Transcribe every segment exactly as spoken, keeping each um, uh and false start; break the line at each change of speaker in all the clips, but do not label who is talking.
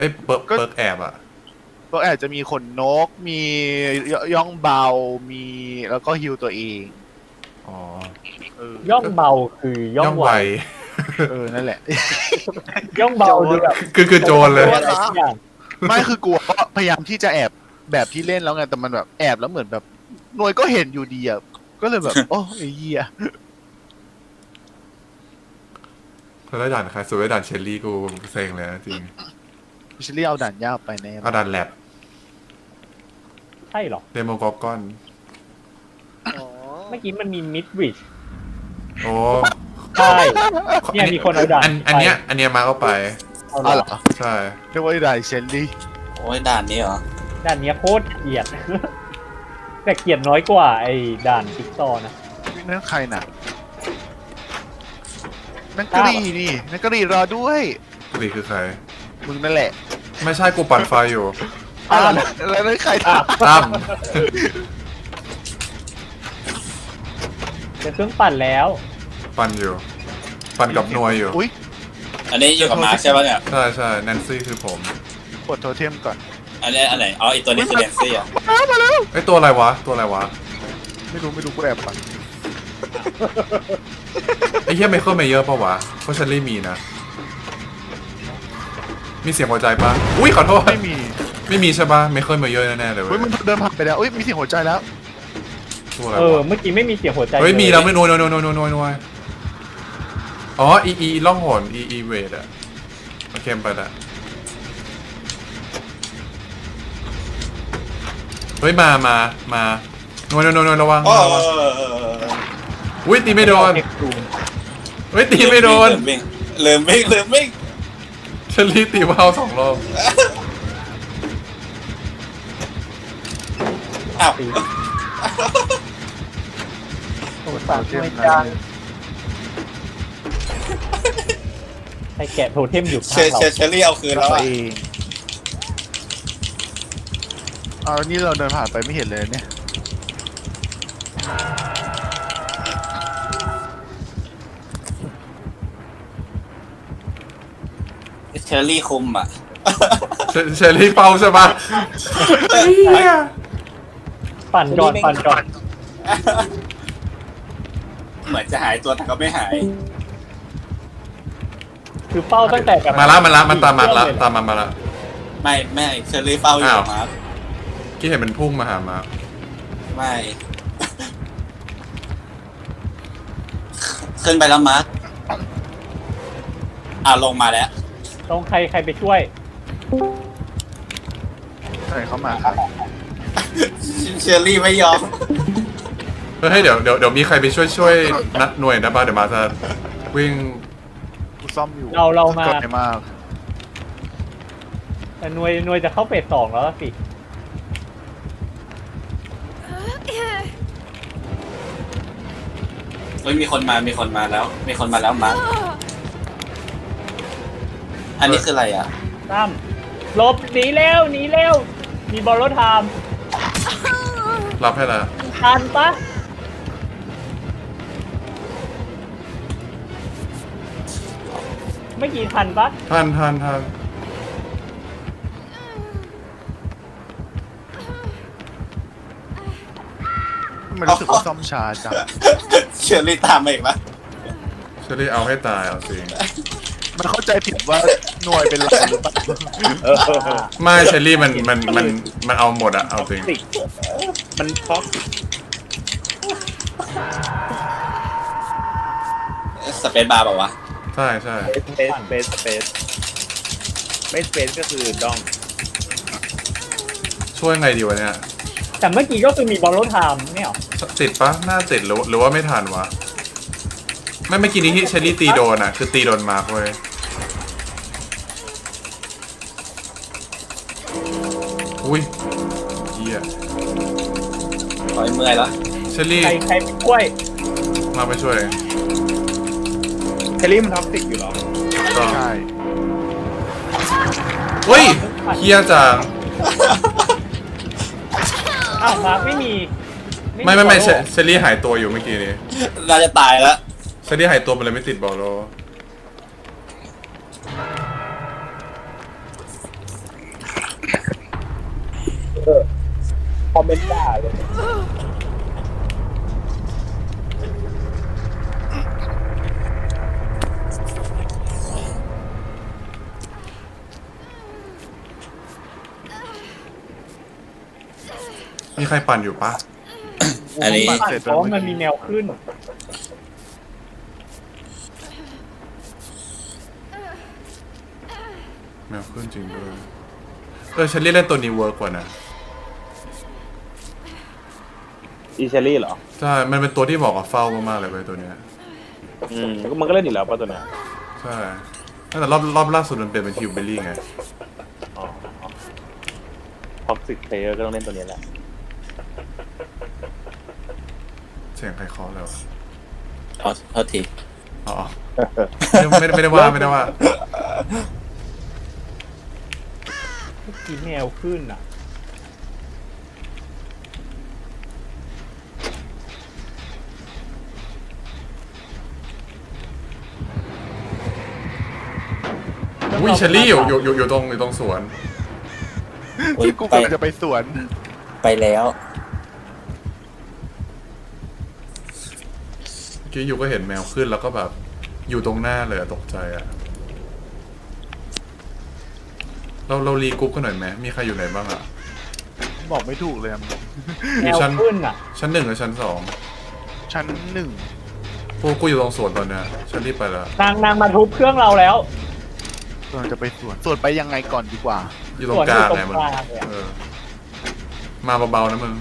อ้ยเปิร์กเปิร์กแอบอะ
ก็อาจจะมีขนนกมีย่องเบามีแล้วก็ฮิวตัวเอง
อ๋
อย่องเบาคือย่องไว
เออนั่นแหละ
ย่องเบาดูแบบ
คือคือโจรเลย
ไม่คือกลัวก็พยายามที่จะแอบแบบที่เล่นแล้วไงแต่มันแบบแอบแล้วเหมือนแบบหน่วยก็เห็นอยู่ดีอ่ะก็เลยแบบโอ้ไอ้เหี้ย
แล้วด่านใครสวยด่านเชลลี่กูเซ็งเลยจริง
พิชลี่เอาด่านยากไปแน่
เอาด่านแลบ
ใช่หรอ
เดโมกอกอน
เมื่อกี้มันมีมิดริช
โอ้
ใช่เนี่ยมีคนเอาด่าน
อันเนี้ยอันเนี้ยมาเข้าไป
เอาเหรอ
ใช่
เรียกว่าด่านเชลลี่
โอ้ยด่านนี้เหรอ
ด่านนี้โคตรเกลียดแต่เกลียดน้อยกว่าไอ้ด่านติ๊กซอนะ
นั่นใครน่ะนักกรีนี่นักกรีรอด้วย
กรีคือใคร
มึงนั่นแหละ
ไม่ใช่กูปั่นไฟอยู่
อ้าวแล้วนั่นใคร
ตั้ม
เป็นเครื่องปั่นแล้ว
ปั่นอยู่ปั่นกับหน่วยอยู่
อุ้ย
อันนี้อยู่กับมาร์คใช่ป่ะเนี่ย
ใช่ใช่แนนซี่คือผม
กดโทเทมก่อน
อันนี้อันไหนอ๋ออีตัวนี้คือแนนซี่อ่ะ
มาแล้ว
ไอตัวอะไรวะตัวอะไรวะ
ไม่รู้ไม่รู้กูแอบปั่น
ไอ้เหี้ยไมเคิลเมเยอร์ป่าวะเพราะฉันรีมีนะมีเสียงหัวใจปะอุ้ยขอโทษ
ไม่มี
ไม่มีใช่ปะไมเคิลเมเยอร์แน่ๆเลยเว้
ยมันเดินผ่านไปแล้วอุ้ยมีเสียงหัวใจแล้ว
เออเมื่อกี้ไม่มีเสียงหัวใจ
เฮ้ยมีแล้วไม่นวยนวยนวยนวยนวยนวยอ๋ออีอีล่องหนอีอีเวดอะโอเคไปละเฮ้ยมามามาหน่วยหน่วยหน่วยระวังระวังอุ้ยตีไม่โดนเฮ้ยตีไม่โดน
เริ่มวิ่งเริ่มวิ่ง
ฉันรีตีว่าวสองรอบ
อ้าว
โอ้สามช่วยจังใครแกะโทเทมอยู่ข้างเรา
เชอรี่เอาคืนแล้ว
เองเอานี่เราเดินผ่านไปไม่เห็นเลยเนี่ย
เชอรี่คุมอ่ะ
เชอรี่เฝ้าใช่ปะ
ปั่นก่อนปั่นก่อน
เหมือนจะหายตัวแต่ก็ไม่หาย
คือเฝ้าตั้งแต่แบบ
มาละมาละมันตามมาละตามมามาละ
ไม่ไม่เชอรี่เฝ้าอยู่มาร์ค
ที่เห็นมันพุ่งมาหามา
ไม่ขึ้นไปแล้วมาร์คอ่าลงมาแล้ว
ตรงใครใครไปช่วย
ใครเข้ามาครับ
เชอรี่ไม่ยอม
เฮ้ยเดี๋ยวเดี๋ยวเดี๋ยวมีใครไปช่วยช่วยนัดหน่วยนะบ้าเดี๋ยวมาจะวิ่ง
กูซ่อมอยู่
เราเรามา
มาก
แต่หน่วยหน่วยจะเข้าเฟสสองแล้วสิ
เฮ้ยมีคนมามีคนมาแล้วมีคนมาแล้วมาร์คอันนี้คืออะไรอ่ะ
ตั้มหลบหนีเร็วหนีเร็วมีบอลรถไทม์
รับให้ละ
ทันปะไม่กี่ทันปะ
ทันทันทัน
มันรู้สึกว่าซ่อมช้าจัง
เชอรี่ตามมาอีกแล้ว
เชอรี่เอาให้ตายเอาสิ
มันเข้าใจผิดว่าหน่วยเป็นเราหรือเปล่า
ไม่เชอรี่มันมันมันมันเอาหมดอะเอาจริง
มันท็อกสเปซบาร์ป่าวะ
ใช่ใช่
สเปซสเปซสเปซไม่สเปซก็คือดอง
ช่วยไงดีวะเนี่ย
แต่เมื่อกี้ก็คือมีบอลรถไทม์ไม่หรอ
ติดปะน่าติดหรือหรือว่าไม่ทันวะไม่เมื่อกี้นี้ที่เชอรี่ตีโดนอะคือตีโดนมาร์คเว้ยอุ้ยเหี้ย
ถอยเมื่อยแล้ว
เชอรี่
ใครใครไปช่วย
มาไปช่วย
เชอรี่มันท็อกซิกอยู่หรอ
ใช่เฮ้ยเฮียจัง
อ้าวมาร์คไม่มี
ไม่ไม่ไม่เชอรี่หายตัวอยู่เมื่อกี้นี้
น่าจะตายแล้ว
เชอรี่หายตัวมันเลยไม่ติดบอลโล
เออคอมเมนต์ด่าเลย
มีใครปั่นอยู่ปะ
อันนี้
ปั่นเสร็จเพราะว่ามันมีแนวขึ้น
แมวขึ้นจริงด้วยเออฉันเล่นตัวนี้เวิร์กกว่านะ
อีเชอรี่เหรอ
ใช่มันเป็นตัวที่บอกกับเฝ้ามากๆเลยเว้ยตัวเนี้ย
อืมมันก็เล่นอยู่แล้วป่ะตัวเนี้ย
ใช่แต่รอบรอบล่าสุดมันเปลี่ยนเป็นฮิวเบลลี่ไง
อ๋อท็อกซิกเพลเยอร์ก็ต้องเล่นตัวนี้แหละ
เสียงใครเคาะเลยวะ
โทษโทษที
อ๋อไม่ได้ไม่ได้ว่าไม่ได้ว่า
เมื่อกี้แนวขึ้นอ่ะ
อุ้ยเชลลี่อยู่อยู่อยู่อยู่ตรงอยู่ตรงสวน
อุ๊ย
ที่กู
ไป
กำลังจะไปสวน
ไปแล้ว
เมื่อกี้อยู่ก็เห็นแมวขึ้นแล้วก็แบบอยู่ตรงหน้าเลยอะตกใจอะเราเรารีกรุ๊ปกันหน่อยไหมมีใครอยู่ไหนบ้างอะ
บอกไม่ถูกเลยอะ
แนวขึ้นอ่ะ
ชั้นหนึ่งกับชั้นสอง
ชั้นหนึ่ง
พวกกูอยู่ตรงสวนตอนเนี้ยฉันรีบไปแล้ว
นางนางมาทุบเครื่องเราแล้ว
กำลังจะไปสวนสวนไปยังไงก่อนดีกว่า
อยู่ตรงกลางไงมึง
สวนอยู่ตรงกลางเลยอะ
เออมาเบาๆนะมึง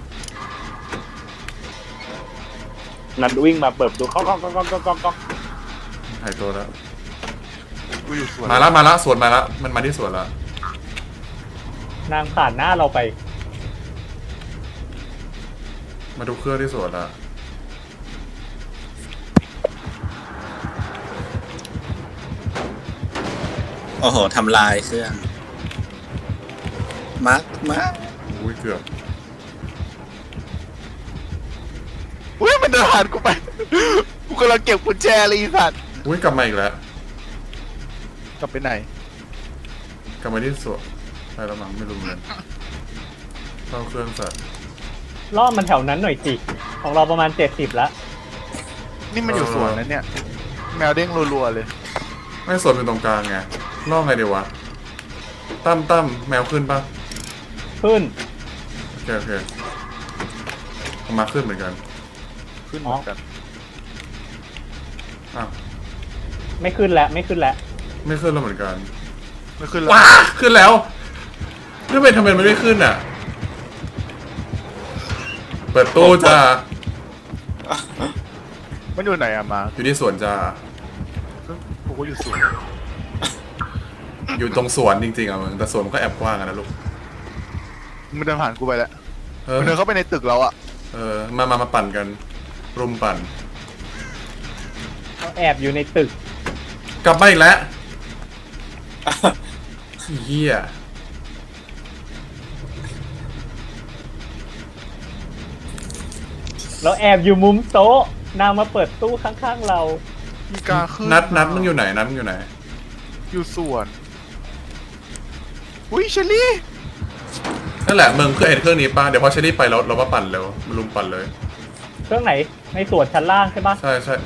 นัดวิ่งมาเปิดดูก๊อกก๊อกก๊อกก๊อกก๊อกก๊อก
หายตัวแล้ว
กูอยู่สวน
มาละมาละสวนมาละมันมาที่สวนละ
นางผ่านหน้าเราไป
มาดูเครื่องที่สวนละ
โอ้โหทำลายเครื่อง มาร์คมาร์ค
อุ้ยเกือบ
อุ้ยมันเดินผ่านกูไป กูกำลังเก็บกุญแจเลยอีสัตว์
อุ้ยกลับมาอีกแล้ว
กลับไปไหน
กลับมาที่สวนไปแล้วมั้งไม่รู้เหมือนกันเข้าเครื่องสัตว์
ล่อมันแถวนั้นหน่อยสิ ของเราประมาณเจ็ดสิบแล้ว
นี่มันอยู่สวนนะเนี่ย แมวเด้งรัวๆเลย
ไม่สวนเป็นตรงกลางไงล่อไงเดี๋ยววะตั้มตั้มแมวขึ้นปะ
ขึ้น
โอเคโอเคเอามาขึ้นเหมือนกัน
ขึ้นเหมือนกัน
อ้าว
ไม่ขึ้นแล้วไม่ขึ้นแล้ว
ไม่ขึ้นแล้วเหมือนกัน
ไม่ขึ้นแล้ว
ว้าขึ้นแล้วทำไมทำไมมันไม่ขึ้นอ่ะ เปิดตู้จ้า
มันอยู่ไหนอะมา
อยู่ที่สวนจ้า
กูก็อยู่สวน
อยู่ตรงสวนจริงๆอ่ะมึงแต่สวนมันก็แอบกว้างอะนะลูก
มันเดินผ่านกูไปแล้ว
เออ
มันเดินเข้าไปในตึกเราอะ
เออมามามาปั่นกัน รุมปั่น
เราแอบอยู่ในตึก
กลับมาอีกแล้วเฮีย
เราแอบอยู่มุมโต๊ะ นางมาเปิดตู้ข้างๆเรา
มีกาขึ้น
นัดนัดมึงอยู่ไหนนัดมึงอยู่ไหน
อยู่สวน อุ้ยเชลลี่
นั่นแหละมึงเคยเห็นเครื่องนี้ป่ะเดี๋ยวพอเชอรี่ไปเราเรามาปั่นเร็วมารุมปั่นเลย
เครื่องไหน ในส่วนชั้นล่างใช่ปะ
ใช่ใช่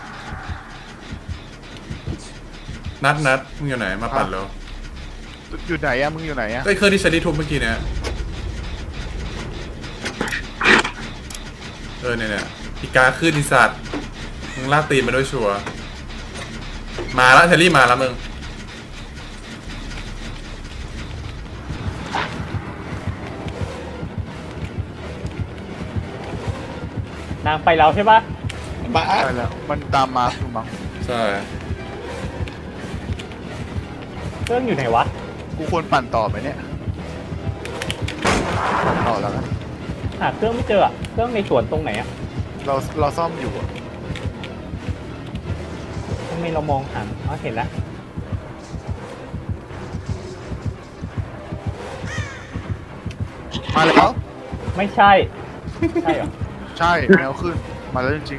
นัดนัดมึงอยู่ไหนมาปั่นเร็ว
อยู่ไหนอะมึงอยู่ไหนอะ
ก็ไอ้เครื่องที่เชอรี่ทุบเมื่อกี้เนี่ยเออเนี่ยเนี่ยอีกาขึ้นอีสัตว์มึงลากตีนมาด้วยชัวร์มาแล้วเชอรี่มาแล้วมึง
นางไปแล้วใช่ปะ
มาร์ค
ใช่แล้ว มันตามมาคือมั้ง
ใช่
เครื่องอยู่ไหนวะ
กูควรปั่นต่อไหมเนี่ย ปั่นต่อแล้วกัน
หาเครื่องไม่เจออะเครื่องในสวนตรงไหนอะ
เราเราซ่อมอยู่อะ
ทำไมเรามองหาอ๋อเห็นแล้ว
มาแล้ว
ไม่ใช่ ใช่เหรอ
ใช่ แมวขึ้น มาแล้วจริง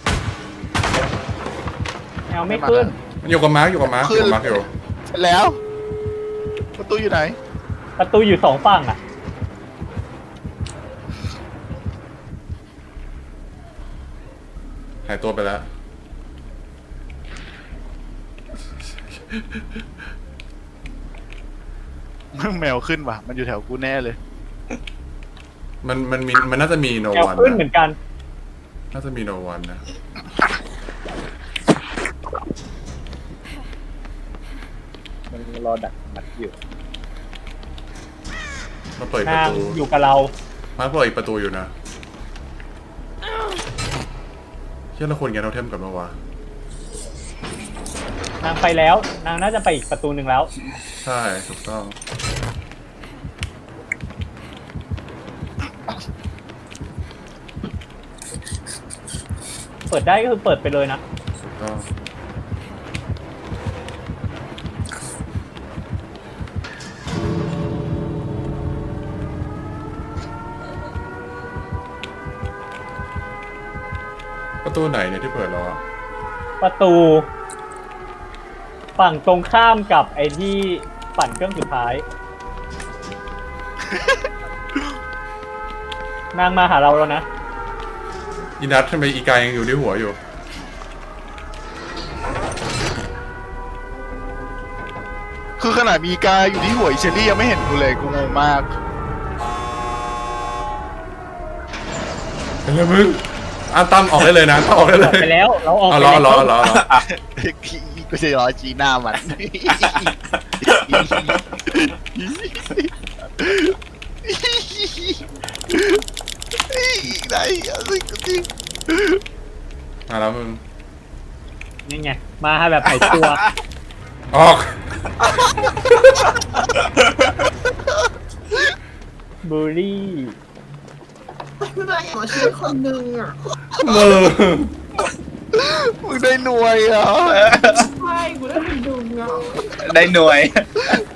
แนวไม่ขึ้น
มันอยู่กับมาร์กอยู่กับมาร์กอยู่กับมาร์กอยู่
ๆเสร็จแล้ว ประตูอยู่ไหน
ประตูอยู่สองฝั่งอ่ะ
หายตัวไปแล้ว
แมวขึ้นว่ะมันอยู่แถวกูแน่เลย
มันมันมีมันน่าจะมีโน
แอล
วัน
ขึ้นเหมือนกัน
น่าจะมีโนวันนะ
มันรอดักมัดอยู่
มาเปิดประ
นาง
ตู
อยู่กับเรา
มาเปิดอีกประตูอยู่นะเชื่อเราควรแกนโทเทมกับมาวะ
นางไปแล้ว นางน่าจะไปอีกประตูหนึ่งแล้ว
ใช่ถูกต้อง
เปิดได้ก็คือเปิดไปเลยนะ
ถูกต้องประตูไหนเนี่ยที่เปิดแล้วอะ
ประตู ฝั่งตรงข้ามกับไอ้ที่ปั่นเครื่องสุดท้าย นางมาหาเราแล้วนะ
อีนัททำไมอีกายยังอยู่ที่หัวอยู่
คือขนาดมีกายอยู่ที่หัวอิเชอรี่ยังไม่เห็นกูเลยกูงงมาก
เป็นไรมึงอ่ะตั้มออกได้เลยนะตั้มออกได้
อ
เล
อก
ย
ไปแล้วเราออก
เอา
ไป
ล้อ
แล้ว
ล้อล้อล้อ
กูจะรอจีหน้ามัน ได้อะไรก็จริง
มาแล้วมึง
นี่ไง มาแบบหายตัว
ออก
บูลลี่
ไม่ได้ขอชีวิตคนหนึ่งอ่ะ
มือ
มึงได้หน่วยเหรอ่ะ
ใช่กูได้เป็นดุงอ่ะ
ได้หน่วย